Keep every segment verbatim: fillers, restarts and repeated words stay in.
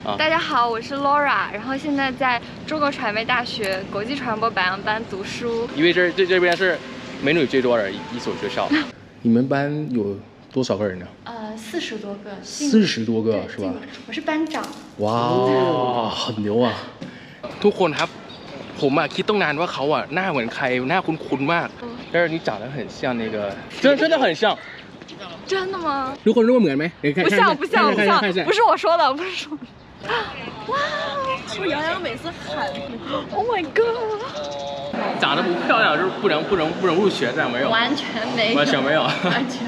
大家好，我是 Laura， 然后现在在中国传媒大学国际传播白羊班读书。 因为这这这边是美女最多的一所学校。你们班有多少个人呢？ 呃，四十多个。 四十多个是吧？ 我是班长。 哇，很牛啊！ทุกคนครับผมอ่ะคิดตั้งนานว่าเขาอ่ะหน้าเหมือนใครหน้าคุ้นๆมาก但是你长得很像那个真真的很像真的吗？ ทุกคนรู้ว่าเหมือนไหม不像不像不像不是我说的不是说哇是不是杨洋每次喊 Oh my god 长得不漂亮就是不能不能不能入学这样没有完全没有完全没有完全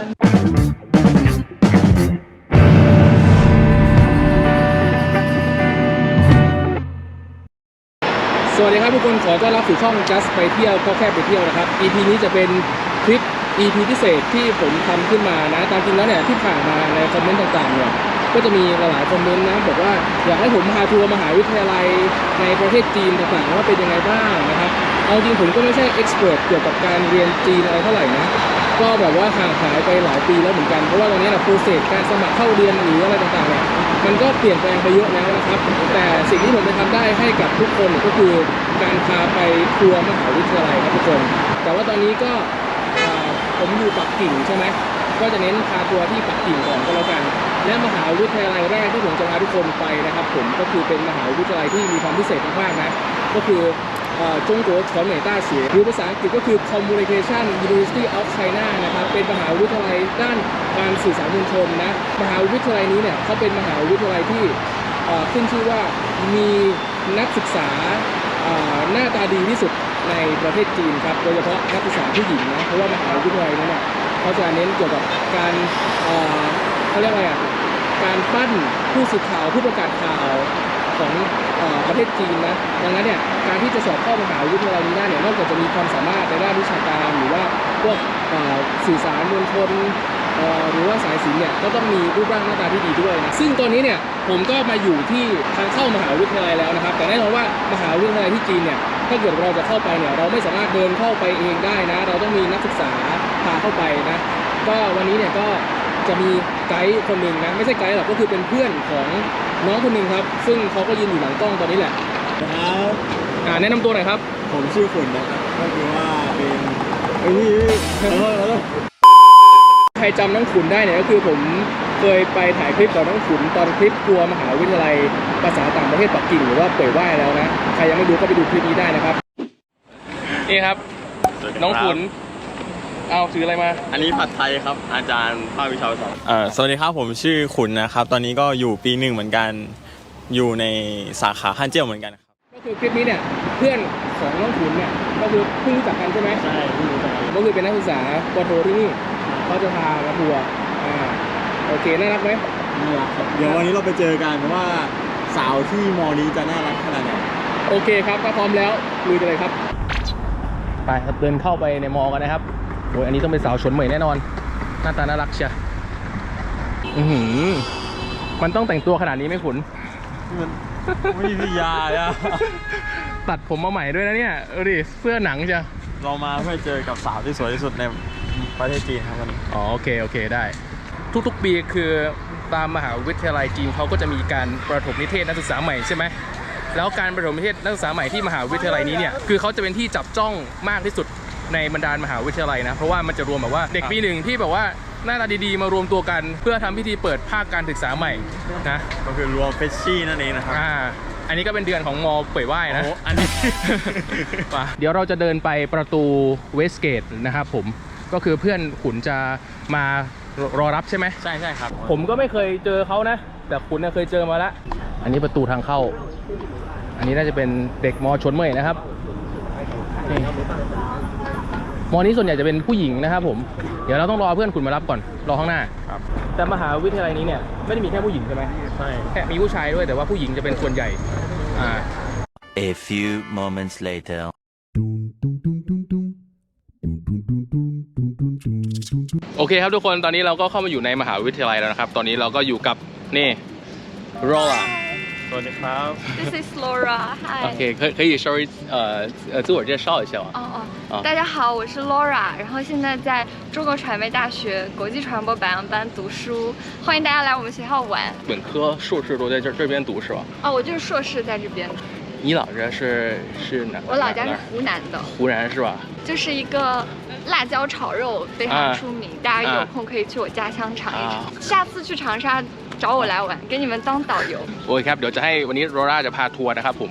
สวัสดีครับทุกคนขอต้อนรับสู่ช่อง Just ไปเที่ยวก็แค่ไปเที่ยวนะครับ อี พี นี้จะเป็นคลิป อี พี พิเศษที่ผมทำขึ้นมานะตามจริงแล้วเนี่ยที่ผ่านมาในคอมเมนต์ต่างๆเนี่ยก็จะมีหลายๆคอมเมนต์นะบอกว่าอยากให้ผมพาทัวร์มหาวิทยาลัยในประเทศจีนต่างๆว่าเป็นยังไงบ้างนะครับเอาจริงผมก็ไม่ใช่เอ็กซ์เพรสเกี่ยวกับการเรียนจีนอะไรเท่าไหร่นะก็แบบว่าห่างหายไปหลายปีแล้วเหมือนกันเพราะว่าตอนนี้นะโปรเซสการสมัครเข้าเรียนหรืออะไรต่างๆเนี่ยมันก็เปลี่ยนแปลงไปเยอะแล้วนะครับแต่สิ่งที่ผมจะทำได้ให้กับทุกคนก็คือการพาไปทัวร์มหาวิทยาลัยครับทุกคนแต่ว่าตอนนี้ก็ผมอยู่ปักกิ่งใช่ไหมก็จะเน้นพาทัวร์ที่ปักกิ่งก่อนก็แล้วกันและมหาวิทยาลัยแรกที่ผมจะพาทุกคนไปนะครับผมก็คือเป็นมหาวิทยาลัยที่มีความพิเศษมากๆนะก็คือจงกัว传媒大学หรือภาษาอังกฤษก็คือ Communication University of China นะครับเป็นมหาวิทยาลัยด้านการสื่อสารมวลชนนะมหาวิทยาลัยนี้เนี่ยเขาเป็นมหาวิทยาลัยที่ขึ้นชื่อว่ามีนักศึกษาหน้าตาดีที่สุดในประเทศจีนครับโดยเฉพาะนักศึกษาผู้หญิงนะเพราะว่ามหาวิทยาลัยนั้นเนี่ยเขาจะเน้นเกี่ยวกับการเขาเรียกอะไรอ่ะการปั้นผู้สื่อข่าวผู้ประกาศข่าวของประเทศจีนนะดังนั้นเนี่ยการที่จะสอบเข้ามหาวิทยาลัยนี้ได้เนี่ยนอกจากจะมีความสามารถในด้านวิชาการหรือว่าพวกสื่อสารมวลชนหรือว่าสายศิลป์เนี่ยก็ต้องมีรูปร่างหน้าตาที่ดีด้วยนะซึ่งตอนนี้เนี่ยผมก็มาอยู่ที่ทางเข้ามหาวิทยาลัยแล้วนะครับแต่แน่นอนว่ามหาวิทยาลัยที่จีนเนี่ยถ้าเกิดเราจะเข้าไปเนี่ยเราไม่สามารถเดินเข้าไปเองได้นะเราต้องมีนักศึกษาพาเข้าไปนะก็วันนี้เนี่ยก็จะมีไกด์คนหนึ่งนะไม่ใช่ไกด์หรอกก็คือเป็นเพื่อนของน้องคนหนึ่งครับซึ่งเขาก็ยืนอยู่หลังกล้องตอนนี้แหละครับอ่าแนะนำตัวหน่อยครับผมชื่อขุนนะครับก็คือว่าเป็นไอ้นี่แล้วแล้วใครจำน้องขุนได้เนี่ยก็คือผมเคยไปถ่ายคลิปกับน้องขุนตอนคลิปทัวร์มหาวิทยาลัยภาษาต่างประเทศปักกิ่งหรือว่าเป่ยว่ายแล้วนะใครยังไม่ดูก็ไปดูคลิปนี้ได้นะครับนี่ครับน้องขุนเอาซื้ออะไรมาอันนี้ผัดไทยครับอาจารย์ภาควิชาภาษาเอ่อสวัสดีครับผมชื่อขุนนะครับตอนนี้ก็อยู่ปีหนึ่งเหมือนกันอยู่ในสาขาฮั่นเจี้ยวเหมือนกันครับก็คือคลิปนี้เนี่ยเพื่อนของน้องขุนเนี่ยก็คือเพิ่งรู้จักกันใช่ไหมใช่เพิ่งรู้จักกันก็คือเป็นนักศึกษาปโทที่นี่เขาจะพามาทัวร์อ่าโอเคน่ารักไหมน่ารักครับเดี๋ยววันนี้เราไปเจอกันว่าสาวที่มอนี้จะน่ารักขนาดไหนโอเคครับถ้าพร้อมแล้วลุยกันเลยครับไปครับเดินเข้าไปในมอกันนะครับโอ้ยอันนี้ต้องเป็นสาวชนเหมยแน่นอนหน้าตาน่ารักเชียอือหือมันต้องแต่งตัวขนาดนี้ไหมขุนมันไม่มียาอ่ะตัดผมมาใหม่ด้วยนะเนี่ยเออดิเสื้อหนังเชียเรามาเพื่อเจอกับสาวที่สวยที่สุดในประเทศจีนครับวันนี้อ๋อโอเคโอเคได้ทุกๆปีคือตามมหาวิทยาลัยจีนเขาก็จะมีการประถมนิเทศนักศึกษาใหม่ใช่ไหมแล้วการประถมนิเทศนักศึกษาใหม่ที่มหาวิทยาลัยนี้เนี่ยคือเขาจะเป็นที่จับจ้องมากที่สุดในบรรดามหาวิทยาลัยนะเพราะว่ามันจะรวมแบบว่าเด็กปีหนึ่งที่แบบว่าหน้าตาดีๆมารวมตัวกันเพื่อทำพิธีเปิดภาคการศึกษาใหม่นะก็คือรวมเฟชชี่นั่นเองนะครับอ่าอันนี้ก็เป็นเดือนของมอเป่ยว่ายนะโอ้อันนี้เดี๋ยวเราจะเดินไปประตูเวสเกตนะครับผมก็คือเพื่อนขุนจะมารอรับใช่ไหมใช่ใช่ครับผมก็ไม่เคยเจอเขานะแต่ขุนเคยเจอมาแล้วอันนี้ประตูทางเข้าอันนี้น่าจะเป็นเด็กมอชนเหมยนะครับมอนี้ส่วนใหญ่จะเป็นผู้หญิงนะครับผมเดี๋ยวเราต้องรอเพื่อนขุนมารับก่อนรอข้างหน้าครับแต่มหาวิทยาลัยนี้เนี่ยไม่ได้มีแค่ผู้หญิงใช่ไหมใช่แค่มีผู้ชายด้วยแต่ว่าผู้หญิงจะเป็นส่วนใหญ่อ่า A few moments later โอเคครับทุกคนตอนนี้เราก็เข้ามาอยู่ในมหาวิทยาลัยแล้วนะครับตอนนี้เราก็อยู่กับนี่โรล่าวัสดีครับ This is Laura. Hi. OK，可可以稍微呃呃自我介绍一下吗？ 哦哦，大家好，我是 Laura，然后现在在中国传媒大学国际传播白羊班读书，欢迎大家来我们学校玩。 本科、硕士都在这这边读是吧？ 哦，我就是硕士在这边。 你老家是是哪？ 我老家是湖南的。 湖南是吧？就是一个辣椒炒肉非常出名，大家有空可以去我家乡尝一尝。下次去长沙找我来玩，给你们当导游。 โอเคครับเดี๋ยวจะให้วันนี้โรล่าจะพาทัวร์นะครับผม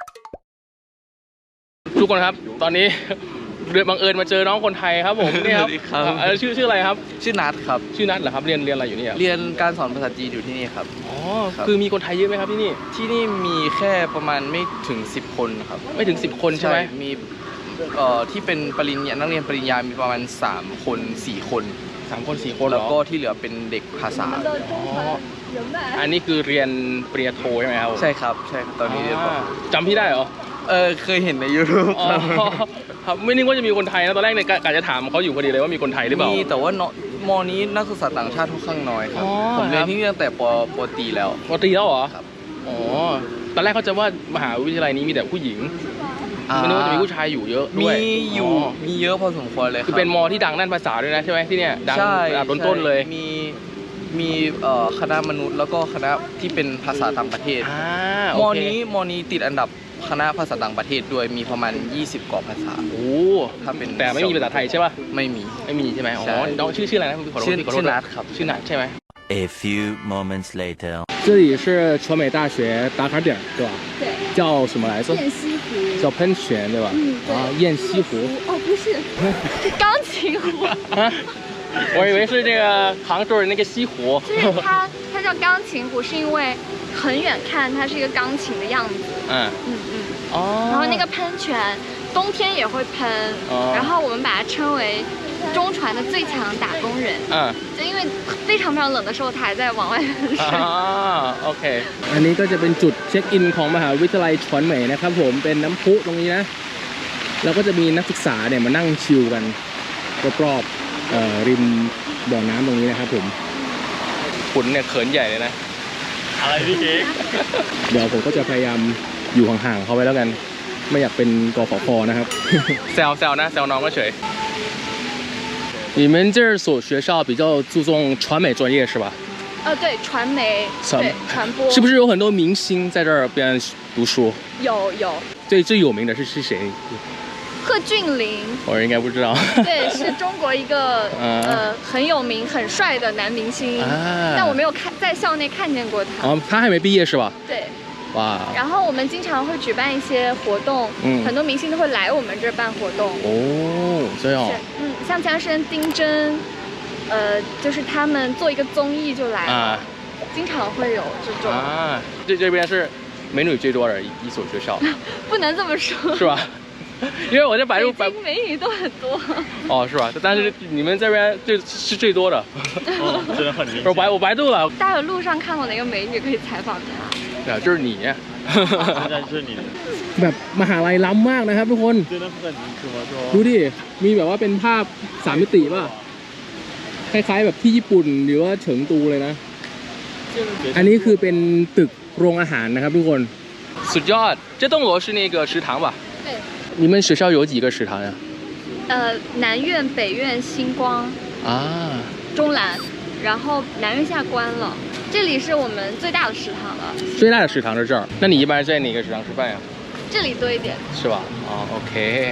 ทุกคนครับตอนนี้เดือบังเอิญมาเจอน้องคนไทยครับผมนี่ครับชื่อชื่ออะไรครับชื่อนัทครับชื่อนัทเหรอครับเรียนเรียนอะไรอยู่นี่เรียนการสอนภาษาจีนอยู่ที่นี่ครับอ๋อคือมีคนไทยเยอะไหมครับที่นี่ที่นี่มีแค่ประมาณไม่ถึงสิบคนครับไม่ถึงสิบคนใช่ไหมมีเอ่อที่เป็นปริญญานักเรียนปริญญามีประมาณสามคนสี่คนสามคนสี่คนแล้วก็ที่เหลือเป็นเด็กภาษาอ๋ออันนี้คือเรียนปริญญาโทใช่ไหมครับใช่ครับใช่ตอนนี้เรียนจำพี่ได้เหรอเออเคยเห็นใน YouTube ครับไม่นึกว่าจะมีคนไทยนะตอนแรกเนี่ยกะจะถามเขาอยู่พอดีเลยว่ามีคนไทยหรือเปล่ามีแต่ว่ามอนี้นักศึกษาต่างชาติค่อนข้างน้อยครับผมเรียนที่นี่ตั้งแต่ปปตีแล้วปตีแล้วเหรอครับอ๋อตอนแรกเขาจะว่ามหาวิทยาลัยนี้มีแต่ผู้หญิงไม่นึกว่าจะมีผู้ชายอยู่เยอะด้วยมีอยู่มีเยอะพอสมควรเลยคือเป็นมอที่ดังด้านภาษาด้วยนะใช่ไหมที่เนี่ยดังระดับต้นๆเลยมีมีคณะมนุษย์แล้วก็คณะที่เป็นภาษาต่างประเทศมอนี้มอนี้ติดอันดับคณะภาษาต่างประเทศด้วยมีประมาณยี่สิบกว่าภาษาโอ้ถ้าเป็นแต่ไม่มีภาษาไทยใช่ป่ะไม่มีไม่มีใช่ไหมอ๋อน้องชื่อชื่ออะไรนะชื่อชื่อนัทครับชื่อนัทใช่ไหม A few moments later 这里是传媒大学打卡点对吧对叫什么来着雁西湖叫喷泉对吧嗯啊雁西湖哦不是钢琴湖啊我以为是这个杭州的那个西湖就是它它叫钢琴湖是因为很远看它是一个钢琴的样子嗯嗯嗯哦然后那个喷泉冬天也会喷然后我们把它称为中传的最强打工人嗯就因为非常非常冷的时候它还在往外喷水อ่าโอเคอันนี้ก็จะเป็นจุดเช็คอินของมหาวิทยาลัยชวนเหมยนะครับผมเป็นน้ำพุตรงนี้นะแล้วก็จะมีนักศึกษาเนี่ยมานั่งชิลกันรอบๆริมบ่อน้ำตรงนี้นะครับผมขุนเนี่ยเขินใหญ่เลยนะอะไรพี่เค้กเดี๋ยวผมก็จะพยายามอยู่ห่างๆเขาไว้แล้วกันไม่อยากเป็นกฟผนะครับแซวแซวนะแซวน้องก็เฉย你们这所学校比较注重传媒专业是吧？ 呃，对，传媒，对，传播。 是不是有很多明星在这边读书？ 有有。 最最有名的是是谁？ 贺峻霖。 我应该不知道。 对，是中国一个呃很有名、很帅的男明星，但我没有看在校内看见过他。 哦，他还没毕业是吧？ 对。哇！然后我们经常会举办一些活动，嗯，很多明星都会来我们这儿办活动。 哦，这样。 嗯，像前段时间丁真，呃，就是他们做一个综艺就来了，经常会有这种。啊， 这这边是美女最多的一一所学校。 不能这么说。 是吧？因为我在百度百度美女都很多。 哦，是吧？但是你们这边最是最多的。 哦，真的很明显。 我百我百度了。 大家有路上看过哪个美女可以采访她？ 啊，就是你。 就是你。 แบบมหาลัยล้ำมากนะครับทุกคนดูดิมีแบบว่าเป็นภาพสามมิติป่ะคล้ายๆแบบที่ญี่ปุ่นหรือว่าเฉิงตูเลยนะอันนี้คือเป็นตึกโรงอาหารนะครับทุกคนสุดยอด这栋楼是那个食堂吧对你们学校有几个食堂呀呃南院北院星光啊中南然后南院现在关了这里是我们最大的食堂了最大的食堂是这儿那你一般在哪个食堂吃饭呀这里多一点是吧อ๋อโอเค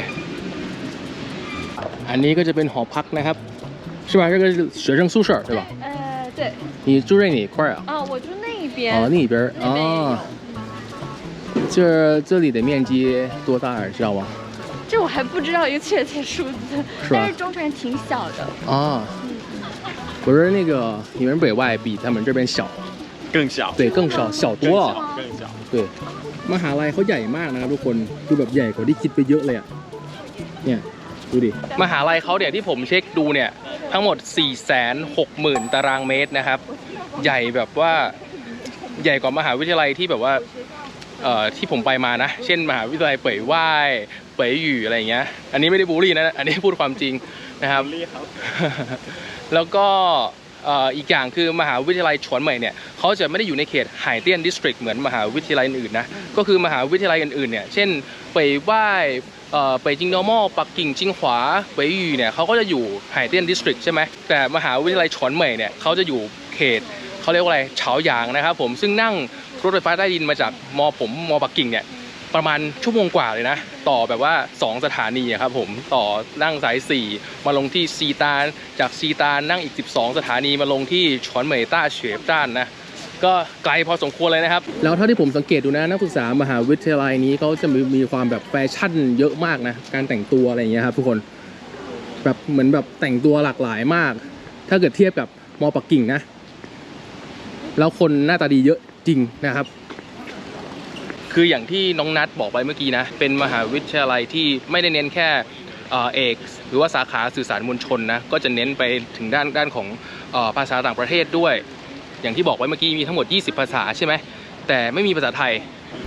อันนี้ก็จะเป็นหอพักนะครับ是吧这个是学生宿舍对吧呃对你住在哪一块啊哦我住那一边哦那边哦这这里的面积多大知道吗这我还不知道一个确切数字但是中传挺小的啊我说那个你们北外比他们这边小更小对更小小多了更小对มหาลัยเขาใหญ่มากนะครับทุกคนดูแบบใหญ่กว่าที่คิดไปเยอะเลยอ่ะเนี่ยดูดิมหาลัยเขาเนี่ยที่ผมเช็คดูเนี่ยทั้งหมด สี่แสนหกหมื่น ตารางเมตรนะครับใหญ่แบบว่าใหญ่กว่ามหาวิทยาลัยที่แบบว่าเอ่อที่ผมไปมานะเช่นมหาวิทยาลัยเป่ยว่ายเป่ยหยู่อะไรอย่างเงี้ยอันนี้ไม่ได้บูลลี่นะอันนี้พูดความจริงนะครับแล้วก็อีกอย่างคือมหาวิทยาลัยฉวนเหม่ยเนี่ยเขาจะไม่ได้อยู่ในเขตไห่เตี้ยนดิสตริกเหมือนมหาวิทยาลัยอื่นๆนะก็คือมหาวิทยาลัยอื่นๆเนี่ยเช่นเป่ยว่ายเป่ยจิงนอร์มอลปักกิ่งจิงหวาเป่ยยูเนี่ยเขาก็จะอยู่ไห่เตี้ยนดิสตริกใช่ไหมแต่มหาวิทยาลัยฉวนเหม่ยเนี่ยเขาจะอยู่เขตเขาเรียกว่าอะไรเฉาหยางนะครับผมซึ่งนั่งรถไฟฟ้าใต้ดินมาจากมอผมมอปักกิ่งเนี่ยประมาณชั่วโมงกว่าเลยนะต่อแบบว่าสองสถานีครับผมต่อนั่งสายสี่มาลงที่ซีตานจากซีตานนั่งอีกสิบสองสถานีมาลงที่ฉวนเหม่ยต้าเฉวยจ้านนะก็ไกลพอสมควรเลยนะครับแล้วเท่าที่ผมสังเกตดูนะนักศึกษามหาวิทยาลัยนี้เขาจะมีมีความแบบแฟชั่นเยอะมากนะการแต่งตัวอะไรอย่างเงี้ยครับทุกคนแบบเหมือนแบบแต่งตัวหลากหลายมากถ้าเกิดเทียบกับมอปักกิ่งนะแล้วคนหน้าตาดีเยอะจริงนะครับคืออย่างที่น้องนัทบอกไปเมื่อกี้นะเป็นมหาวิทยาลัยที่ไม่ได้เน้นแค่เอกหรือว่าสาขาสื่อสารมวลชนนะก็จะเน้นไปถึงด้านด้านของภาษาต่างประเทศด้วยอย่างที่บอกไว้เมื่อกี้มีทั้งหมดยี่สิบภาษาใช่ไหมแต่ไม่มีภาษาไทย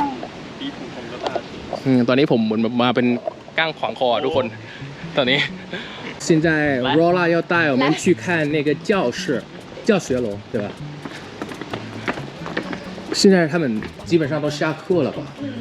ตอนนี้ผมเหมือนมาเป็นก้างขวางคอทุกคนตอนนี้现在 Rola 要带我们去看那个教室教学楼对吧现在他们基本上都下课了吧？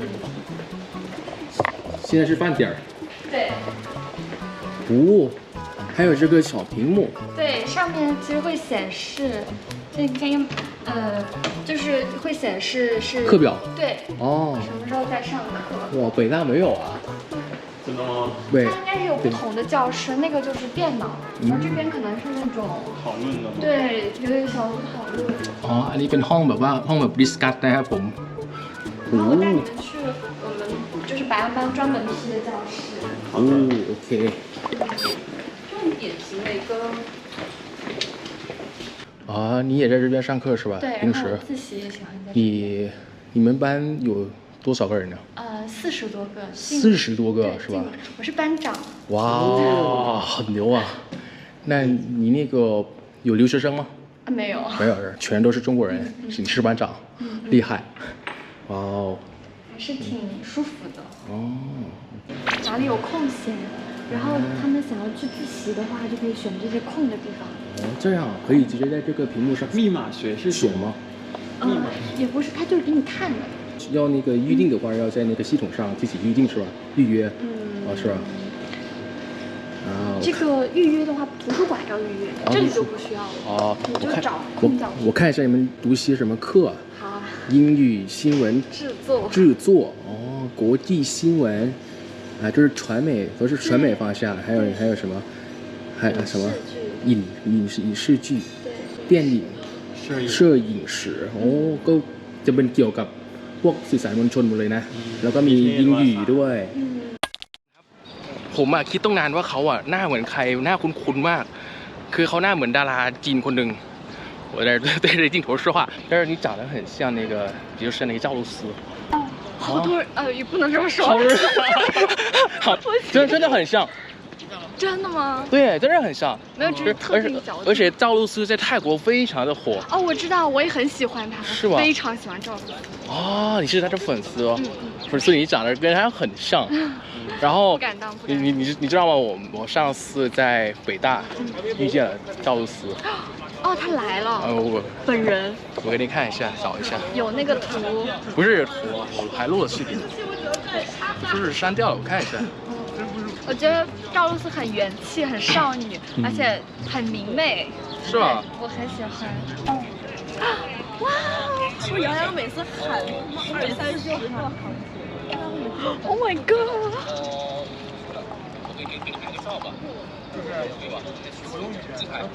现在是饭点儿。 对。 哦，还有这个小屏幕。 对，上面其实会显示，那个呃，就是会显示是课表。 对。 哦。 什么时候在上课？ 哇，北大没有啊。 真的吗？ 对。 它应该是有不同的教室，那个就是电脑，然后这边可能是那种讨论的吗？ 对，有一个小组讨论。 อ๋ออันนี้เป็นห้องแบบว่าห้องแบบดิสคัสนะครับผม然后我带你们去我们就是白羊班专门批的教室。 哦 ，OK。 重点是那个。 啊，你也在这边上课是吧？ 对， 平时。 自习也喜欢在。 你你们班有多少个人呢？ 呃，四十多个。 四十多个是吧？ 我是班长。 哇，很牛啊！那你那个有留学生吗？ 啊，没有。 没有人，全都是中国人。你是班长，厉害。哇哦。 还是挺舒服的。 哦。 哪里有空闲，然后他们想要去自习的话，就可以选这些空的地方。 哦，这样可以直接在这个屏幕上密码学是选吗？ 密码也不是，他就是给你看的。 要那个预定的话，要在那个系统上自己预定是吧？预约。嗯。哦，是吧？啊。 这个预约的话，图书馆要预约，这里就不需要了。哦。你就找空角。 我看一下你们读些什么课。 好啊。 英语新闻制作。制作哦，国际新闻，啊，就是传媒，都是传媒方向，还有还有什么，还有什么影影视影视剧，电影，摄影史โอ้ก็จะเป็นเกี่ยวกับพวกสื่อสารมวลชนหมดเลยนะแล้วก็มี英语ด้วยผมอะคิดต้องนานว่าเขาอะหน้าเหมือนใครหน้าคุ้นๆมากคือเขาหน้าเหมือนดาราจีนคนหนึ่ง我在对着镜头说话，但是你长得很像那个，就是那个赵露思。 好多人呃，也不能这么说。 好，真真的很像。 真的吗？ 对，真的很像。 没有，只是特定角度。 而且赵露思在泰国非常的火。 哦，我知道，我也很喜欢她。 是吧？ 非常喜欢赵露思。 哦，你是她的粉丝哦。嗯嗯。所以你长得跟她很像。然后不敢当，不敢你你你你知道吗？我我上次在北大遇见了赵露思。 哦，他来了。 呃，我本人。 我给你看一下，找一下。 有那个图。 不是图，我还录了视频。就是删掉了，我看一下。 我觉得赵露思很元气，很少女，而且很明媚。 是吧？ 我很喜欢。 哇！我杨洋每次喊二三十就好。 Oh my god！ 我给你给你拍个照吧，就是对吧？使用语自拍。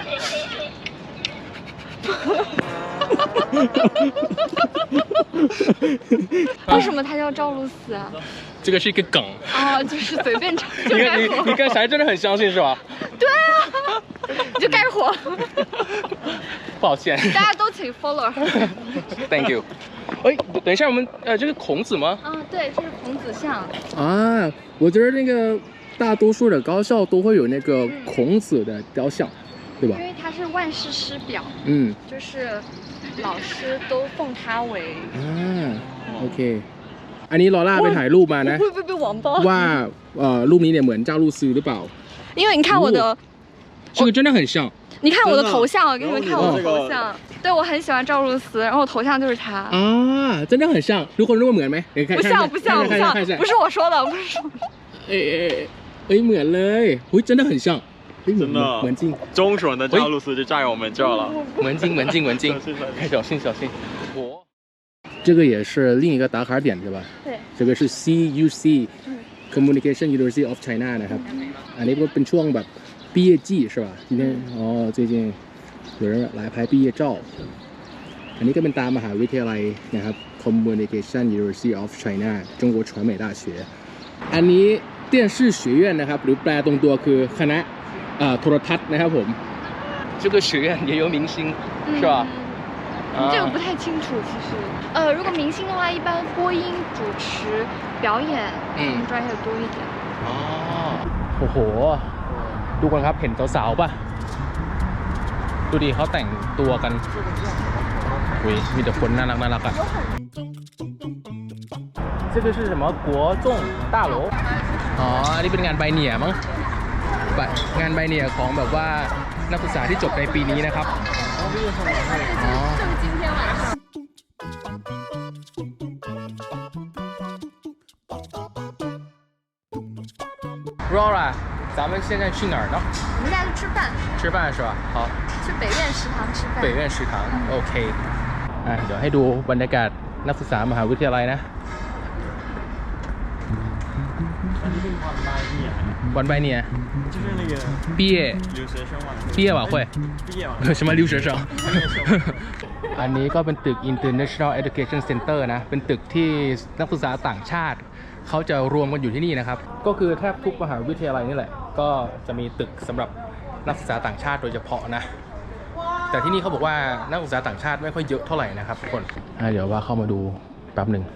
为什么他叫赵露思啊？ 这个是一个梗。 哦，就是随便唱就该火。你你跟谁真的很相信是吧？ 对啊，你就该火。 抱歉。 大家都请 follow。 Thank you。哎，等一下，我们呃，这是孔子吗？ 啊，对，这是孔子像。 啊，我觉得那个大多数的高校都会有那个孔子的雕像，对吧？ 因为他是万世师表。 嗯。 就是老师都奉他为。 啊 ，OK。อันนี้ลอล่าไปถ่ายรูปมานะ会不会被网暴ว่าเอ่อรูปนี้เนี่ยเหมือนเจ้าลูซือหรือเปล่า因为你看我的这个真的很像你看我的头像，我给你们看我的头像。对，我很喜欢赵露思，然后我头像就是她。 啊，真的很像，ทุกคนรู้ว่าเหมือนไหม不像不像不像，不是我说的，不是。 哎哎哎，เหมือนเลยอุ้ย真的很像。 真的， 门禁， 中选的赵露思就在我们这了。 门禁，门禁，门禁，小心，小心。我，这个也是另一个打卡点，对吧？ 对。 这个是 C U C Communication University of China นะครับอันนี้ก็เป็นช่วงแบบ毕业季是吧？今天哦，最近有人来拍毕业照。อันนี้ก็เป็นตามมหาวิทยาลัยนะครับ Communication University of China 中国传媒大学อันนี้电视学院นะครับหรือแปลตรงตัวคือคณะโทรทัศน์นะครับผม这个学院也有明星是吧这个不太清楚其实呃如果明星的话一般播音主持表演嗯专业多一点อ๋อโอ้โหดูกันครับเห็นสาวๆป่ะดูดิเขาแต่งตัวกันอุ้ยมีแต่คนน่ารักน่ารักอ่ะ这个是什么国众大楼อ๋ออันนี้เป็นงานใบเหนี่ยมั้งงานใบเหนี่ยของแบบว่านักศึกษาที่จบในปีนี้นะครับอ๋อRora 咱们现在去哪儿呢我们现在去吃饭吃饭是吧好去北苑食堂吃饭北苑食堂โอเคอ่ะเดี๋ยวให้ดูบรรยากาศนักศึกษามหาวิทยาลัยนะวันใบเนี่ย就是那个毕业留学生晚毕业晚会毕业晚什么留学生อันนี้ก็เป็นตึก International Education Center นะเป็นตึกที่นักศึกษาต่างชาติเขาจะรวมกันอยู่ที่นี่นะครับก็คือแทบทุกมหาวิทยาลัยนี่แหละก็จะมีตึกสำหรับนักศึกษาต่างชาติโดยเฉพาะนะแต่ที่นี่เขาบอกว่านักศึกษาต่างชาติไม่ค่อยเยอะเท่าไหร่นะครับทุกคนเดี๋ยวว่าเข้ามาดูแป๊บหนึ่ง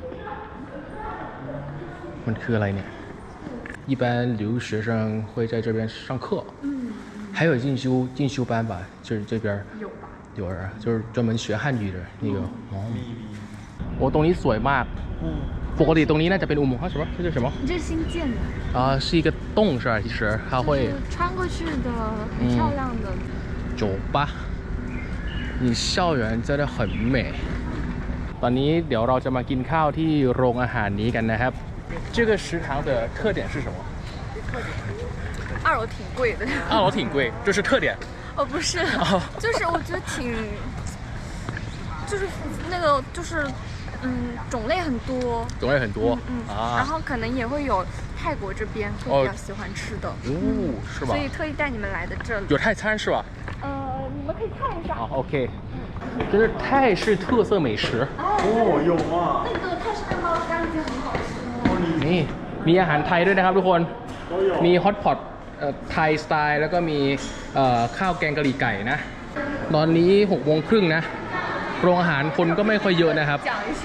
มันคืออะไรเนี่ย一般留学生会在这边上课嗯还有进修进修班吧就是这边有吧有人就是专门学汉语的那个哦โอ้ตรงนี้สวยมากปกติตรงนี้น่าจะเป็นอุโมงค์ใช่ไหม这是什么这是新建的啊是一个洞是吧其实它会穿过去的很漂亮的酒吧你校园真的很美ตอนนี้เดี๋ยวเราจะมากินข้าวที่โรงอาหารนี้กันนะครับ这个食堂的特点是什么？ 二楼挺贵的。 二楼挺贵，这是特点。 哦，不是，哦、就是我觉得挺，就是那个就是嗯种类很多。 种类很多。 嗯嗯。啊、然后可能也会有泰国这边会比较喜欢吃的。 哦，是吧？ 所以特意带你们来的这里。 有泰餐是吧？ 呃，你们可以看一下。 好 ，OK。这是泰式特色美食。 哦，有啊。 那个泰式面包干已经很好吃。 นี่มีอาหารไทยด้วยนะครับทุกคนมีฮอตพอตไทยสไตล์แล้วก็มีข้าวแกงกะหรี่ไก่นะตอนนี้หกโมงครึ่งนะโรงอาหารคนก็ไม่ค่อยเยอะนะครับ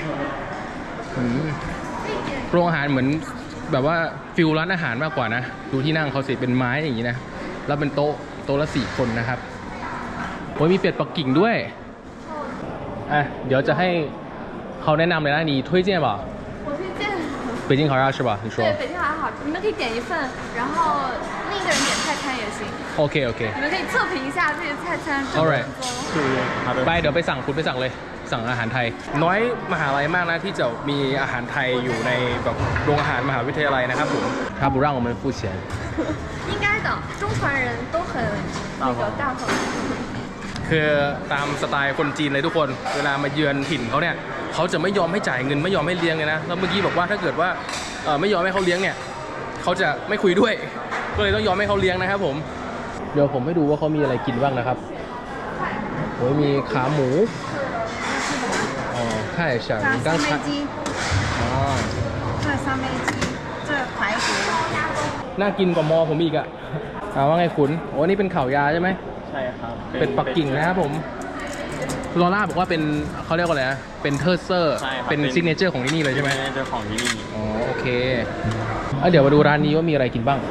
โรงอาหารเหมือนแบบว่าฟิลร้านอาหารมากกว่านะดูที่นั่งเขาสิเป็นไม้อย่างนี้นะแล้วเป็นโต๊ะโต๊ะละสี่คนนะครับโอ้ยมีเป็ดปักกิ่งด้วยอ่ะเดี๋ยวจะให้เขาแนะนำเลยนะนี่推荐吧北京烤鸭是吧？你说。 对，北京烤鸭好吃，你们可以点一份，然后另一个人点泰餐也行。 OK OK。 你们可以测评一下自己的菜餐。 All right。ไปเดี๋ยวไปสั่งคุณไปสั่งเลยสั่งอาหารไทยน้อยมหาลัยมากนะที่จะมีอาหารไทยอยู่ในแบบโรงอาหารมหาวิทยาลัยนะครับผม他不让我们付钱应该的中传人都很那个大方คือตามสไตล์คนจีนเลยทุกคนเวลามาเยือนถิ่นเขาเนี่ยเขาจะไม่ยอมให้จ่ายเงินไม่ยอมให้เลี้ยงเลยนะแล้วเมื่อกี้บอกว่าถ้าเกิดว่าเออไม่ยอมให้เขาเลี้ยงเนี่ยเขาจะไม่คุยด้วยก็เลยต้องยอมให้เขาเลี้ยงนะครับผมเดี๋ยวผมให้ดูว่าเขามีอะไรกินบ้างนะครับโอ้ยมีขาหมูอ๋อ看一下你刚才อ๋อ这三杯鸡这排骨น่ากินกว่ามอผมอีกอะอ่าว่าไงขุนโอ้นี่เป็นข่าวยาใช่ไหมใช่ครับเป็นปักกิ่งนะครับผมลอร่าบอกว่าเป็นเขาเรียกว่าอะไรนะเป็นเทอร์เซอร์เป็นซิกเนเจอร์ของที่นี่เลยใช่ไหมซิกเนเจอร์ของที่นี่อ๋อโอเคเดี๋ยวมาดูร้านนี้ว่ามีอะไรกินบ้าง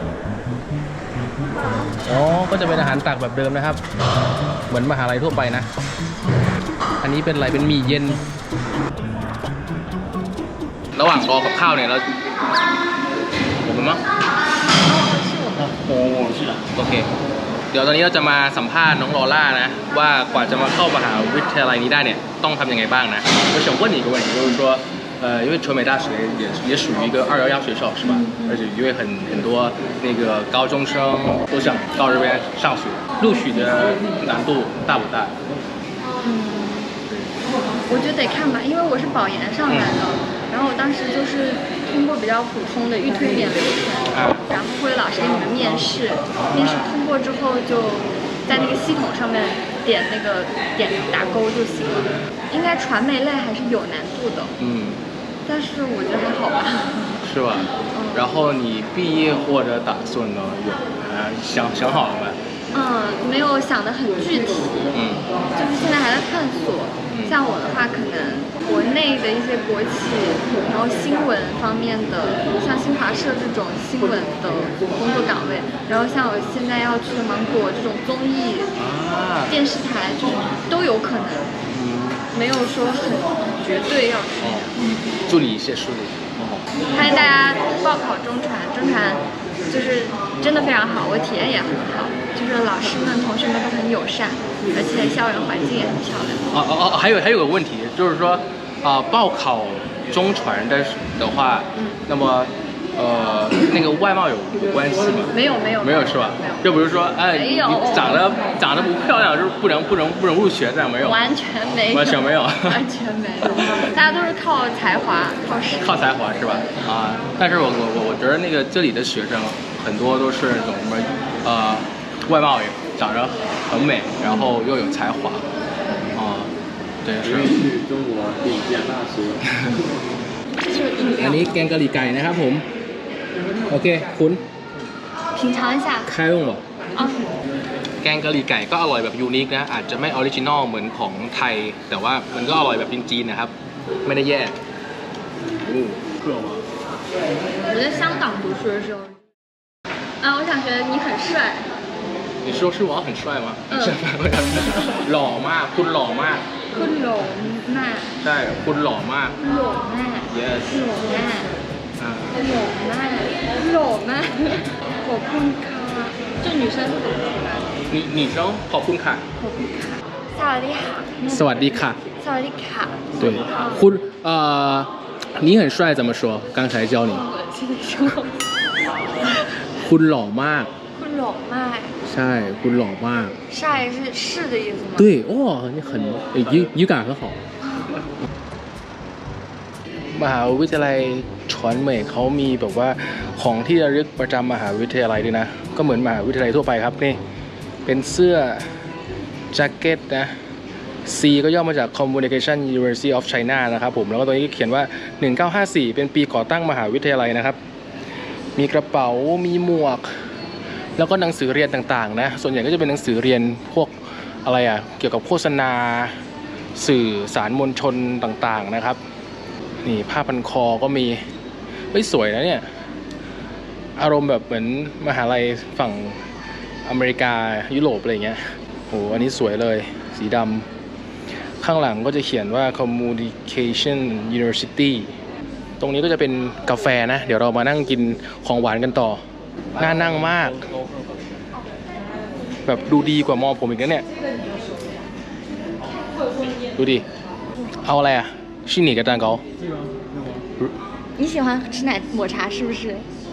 อ๋อก็จะเป็นอาหารตักแบบเดิมนะครับเหมือนมหาลัยทั่วไปนะอันนี้เป็นอะไรเป็นหมี่เย็นระหว่างรอกับข้าวเนี่ยเราผมมั้งโอ้是的โอเคเดี๋ยวตอนนี้เราจะมาสัมภาษณ์น้องลอล่านะว่ากว่าจะมาเข้ามหาวิทยาลัยนี้ได้เนี่ยต้องทำยังไงบ้างนะ我想问你一个问题就是说呃因为传媒大学也也属于一个二幺幺学校是吧而且因为很很多那个高中生都想到这边上学录取的难度大不大嗯我觉得得看吧因为我是保研上来的、嗯、然后我当时就是通过比较普通的预推点流程、啊、然后会有老师给你们面试面试通过之后就在那个系统上面点那个点打勾就行了应该传媒类还是有难度的嗯但是我觉得还好吧是吧、嗯、然后你毕业或者打算呢有呃想想好了没嗯没有想得很具体嗯就是现在还在探索像我的话可能国内的一些国企然后新闻方面的像新华社这种新闻的工作岗位然后像我现在要去的芒果这种综艺、啊、电视台就是都有可能、嗯、没有说很绝对要去、哦、 祝你一切顺利欢迎大家报考中传中传就是真的非常好我体验也很好就是老师们同学们都很友善而且校园环境也很漂亮哦哦哦还有还有个问题就是说啊、呃、报考中传的的话、嗯、那么呃那个外貌有有关系吗没有没有没有是吧没有就比如说哎你长得长得不漂亮就是不能不能不能入学这样没有完全没有完全没有完全没有大家都是靠才华靠实力靠才华是吧啊但是我我我觉得那个这里的学生很多都是那种什么呃外貌也长得很美然后又有才华啊对是去中国顶尖大学อันนี้แกงกะหรี่ไก่นะครับผมโอเคคุณ品尝一下开用了แกงกะหรี่ไก่ก็อร่อยแบบยูนิคนะอาจจะไม่ออริจินอลเหมือนของไทยแต่ว่ามันก็อร่อยแบบจีนๆนะครับไม่ได้แย่我在香港读书的时候啊我想觉得你很帅你说是我很帅吗嗯หล่อมากคุณหล่อมากคุณหล่อมากใช่คุณหล่อมากหล่อมาก yes หล่อมากหล่อมากหล่อมากขอบคุณค่ะ这女生是怎么说的女女生ขอบคุณค่ะขอบคุณค่ะสวัสดีค่ะสวัสดีค่ะสวัสดีค่ะ对คุณ呃你很帅怎么说刚才教你คุณหล่อมากคุณหล่อมากใช่คุณหล่อมาก帅是是的意思吗对哇你很语语感很好มหาวิทยาลัยฉวนเหม่ยเขามีแบบว่าของที่ระลึกประจำมหาวิทยาลัยด้วยนะก็เหมือนมหาวิทยาลัยทั่วไปครับนี่เป็นเสื้อแจ็คเก็ตนะ C ก็ย่อมาจาก Communication University of China นะครับผมแล้วก็ตัวนี้เขียนว่าหนึ่งเก้าห้าสี่เป็นปีก่อตั้งมหาวิทยาลัยนะครับมีกระเป๋ามีหมวกแล้วก็หนังสือเรียนต่างๆนะส่วนใหญ่ก็จะเป็นหนังสือเรียนพวกอะไรอ่ะเกี่ยวกับโฆษณาสื่อสารมวลชนต่างๆนะครับนี่ผ้าพันคอก็มีเฮ้ยสวยนะเนี่ยอารมณ์แบบเหมือนมหาลัยฝั่งอเมริกายุโรปอะไรเงี้ยโหอันนี้สวยเลยสีดำข้างหลังก็จะเขียนว่า Communication University ตรงนี้ก็จะเป็นกาแฟนะเดี๋ยวเรามานั่งกินของหวานกันต่อน่านั่งมากแบบดูดีกว่ามอผมอีกนะเนี่ยดูดิเอาอะไรอ่ะ是哪个蛋糕你喜欢吃奶抹茶是不是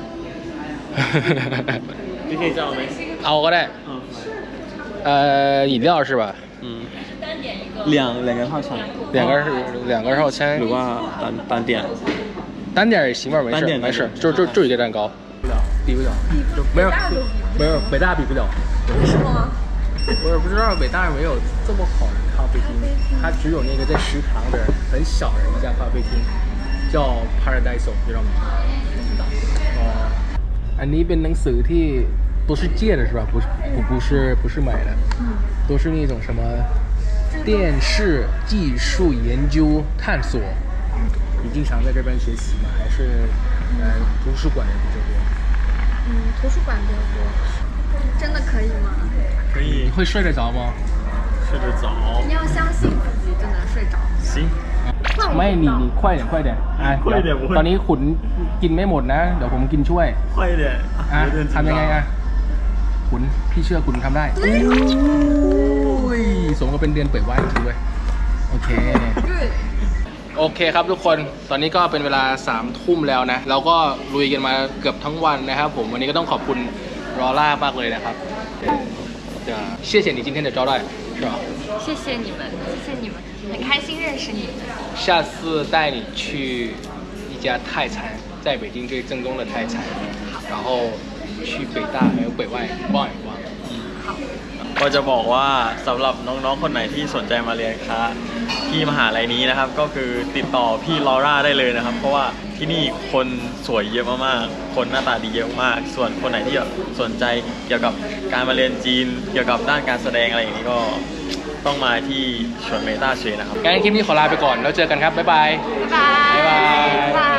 你可以叫没เอาก็ได้呃饮料是吧嗯两两个套餐两个两个套餐หรือว่า单单点单点也行吧没事没事就就就一个蛋糕比不了没有没有北大比不了为什么我也不知道北大没有这么好的咖啡厅它只有那个在食堂的很小的一家咖啡厅叫 Paradise 知道吗哦อันนี้เป็นหนังสือที่都是借的是吧不是不不是不是买的都是那种什么电视技术研究探索你经常在这边学习吗还是呃图书馆也比较多嗯图书馆比较多真的可以吗可以你会睡得着吗睡得着你要相信自己就能睡着行ไม่你你快点快点哎快点ตอนนี้ขุนกินไม่หมดนะเดี๋ยวผมกินช่วย快一点อ่ะทำยังไงอ่ะคุณพี่เชื่อคุณทำได้โอ้ยสมกับเป็นเดือนเปิดว่ายจริงด้วยโอเคโอเคครับทุกคนตอนนี้ก็เป็นเวลาสามทุ่มแล้วนะเราก็ลุยกันมาเกือบทั้งวันนะครับผมวันนี้ก็ต้องขอบคุณรอล่ามากเลยนะครับจะ谢谢你今天的招待是吧谢谢你们谢谢你们很开心认识你们下次带你去一家泰餐在北京最正宗的泰餐然后去北大还有北外逛一逛ก็จะบอกว่าสำหรับน้องๆคนไหนที่สนใจมาเรียนคณะที่มหาลัยนี้นะครับก็คือติดต่อพี่ลอร่าได้เลยนะครับเพราะว่าที่นี่คนสวยเยอะมากๆคนหน้าตาดีเยอะมากส่วนคนไหนที่สนใจเกี่ยวกับการมาเรียนจีนเกี่ยวกับด้านการแสดงอะไรอย่างนี้ก็ต้องมาที่ชวนเมต้าเชนะครับงั้นคลิปนี้ขอลาไปก่อนแล้วเจอกันครับบ๊ายบาย拜拜拜拜